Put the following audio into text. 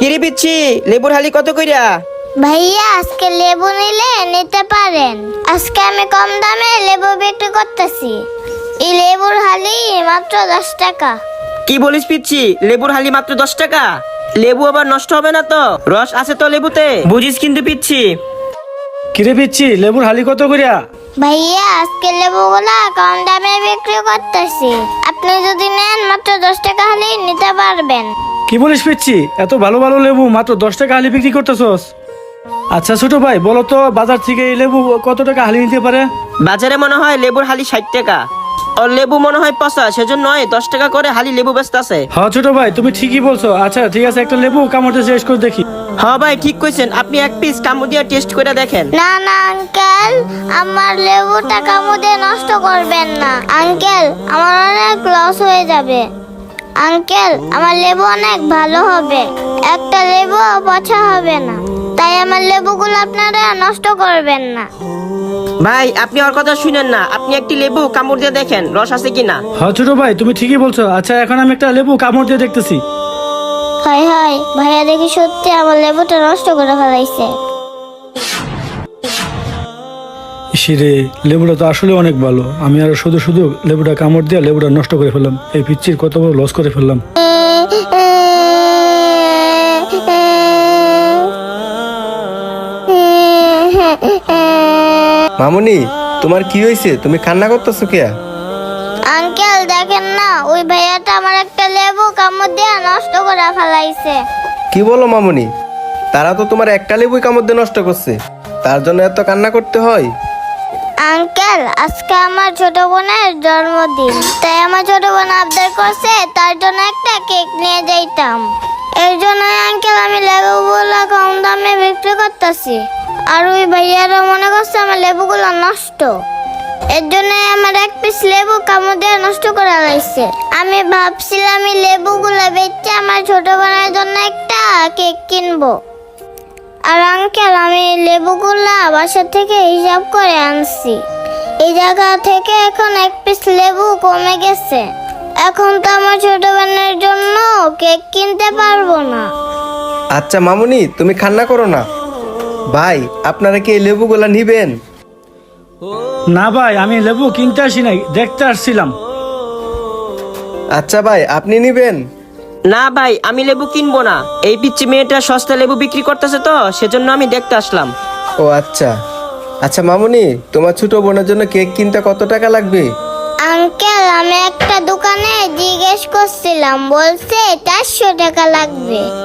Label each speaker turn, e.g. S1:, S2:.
S1: কিরে পিচ্ছি, লেবুর হালি কত কইরা?
S2: ভাইয়া আজকে লেবু নিলে নিতে পারেন। আজকে আমি কম দামে লেবু বিক্রি করতেছি। এই লেবুর হালি মাত্র 10 টাকা।
S1: কি বলিস পিচ্ছি, লেবুর হালি মাত্র 10 টাকা? লেবু আবার নষ্ট হবে না তো? রস আছে তো লেবুতে, বুঝিস কিন্তু পিচ্ছি।
S3: কিরে পিচ্ছি, লেবুর হালি কত করিয়া?
S2: ভাইয়া আজকে লেবুগুলা কম দামে বিক্রি করতেছি। আপনি যদি নেন মাত্র 10 টাকা হলেই নিতে পারবেন।
S3: কি বলিস পিচ্ছি, এত ভালো ভালো লেবু মাত্র 10 টাকা হালি বিক্রি করতেছস? আচ্ছা ছোট ভাই, বলো তো বাজার থেকে এই লেবু কত টাকা হালি নিতে পারে?
S1: বাজারে মনে হয় লেবুর হালি 60 টাকা, আর লেবু মনে হয় পচা, সেজন্য 10 টাকা করে হালি লেবু বেচতাছে।
S3: হ্যাঁ ছোট ভাই, তুমি ঠিকই বলছো। আচ্ছা ঠিক আছে, একটা লেবু কামড়তে শেষ করে দেখি।
S1: হ্যাঁ ভাই ঠিক কইছেন, আপনি এক পিস কামড় দিয়ে টেস্ট করে দেখেন।
S2: না না আঙ্কেল, আমার লেবুটা কামড়ে নষ্ট করবেন না। আঙ্কেল আমার অনেক লস হয়ে যাবে। আঙ্কেল আমার লেবু অনেক ভালো হবে, একটা লেবু পচা হবে না। তাই আমার লেবুগুলো আপনারা নষ্ট করবেন না।
S1: ভাই আপনি ওর কথা শুনেন না, আপনি একটি লেবু কামড় দিয়ে দেখেন রস আছে কিনা।
S3: হ্যাঁ ছোট ভাই, তুমি ঠিকই বলছো। আচ্ছা এখন আমি একটা লেবু কামড় দিয়ে দেখতেছি।
S2: হাই হাই, ভাইয়া দেখি সত্যি আমার লেবুটা নষ্ট করে ফেলাইছে।
S3: ইসিরে, লেবুটা তো আসলে অনেক ভালো। আমি আর শুধু শুধু লেবুটা কামড় দিয়ে লেবুটা নষ্ট করে ফেললাম। এই পিচ্ছির কত বড় লস করে ফেললাম।
S4: মামুনি, তোমার কি হয়েছে? তুমি কান্না করতেছো কে?
S2: আঙ্কেল দেখেন না, ওই ভাইয়াটা আমার একটা লেবু কামড় দিয়ে নষ্ট করে ফেলাইছে।
S4: কি বলো মামুনি? তারা তো তোমার একটা লেবুই কামড় দিয়ে নষ্ট করছে, তার জন্য এত কান্না করতে হয়?
S2: আঙ্কেল আজকে আমার ছোট বোনের জন্মদিন, তাই আমার ছোট বোন আবদার করছে, তার জন্য একটা কেক নিয়ে যাইতাম। এর জন্য আঙ্কেল আমি লেবুগুলো কম দামে বিক্রি করতেছি। আর ওই ভাইয়ারা মনে করছে আমার লেবুগুলো নষ্ট, এর জন্য আমার এক পিস লেবু কামড় দিয়ে নষ্ট করে লাইছে। আমি ভাবছিলাম এই লেবুগুলো বেচে আমার ছোট বোনের জন্য একটা কেক কিনবো। আর আঙ্কেল আমি লেবুগুলা বাসা থেকে হিসাব করে আনছি। এই জায়গা থেকে এখন এক পিস লেবু কমে গেছে। এখন তো আমার ছোট বোনের জন্য কেক কিনতে পারবো না।
S4: আচ্ছা মামুনি, তুমি কান্না করো না। ভাই আপনারা কি এই লেবুগুলা নিবেন?
S3: না ভাই, আমি লেবু কিনতে আসি নাই, দেখতে আসছিলাম।
S4: আচ্ছা ভাই, আপনি নিবেন?
S1: না ভাই আমি লেবু কিনবো না, এই পিচ্ছি মেয়েটা সস্তা লেবু বিক্রি করতেছে তো সেজন্য আমি দেখতে আসলাম।
S4: ও আচ্ছা। আচ্ছা মামুনি, তোমার ছোট বোনের জন্য কেক কিনতে কত টাকা লাগবে?
S2: আঙ্কেল আমি একটা দোকানে জিজ্ঞেস করছিলাম, বলছে 400 টাকা লাগবে।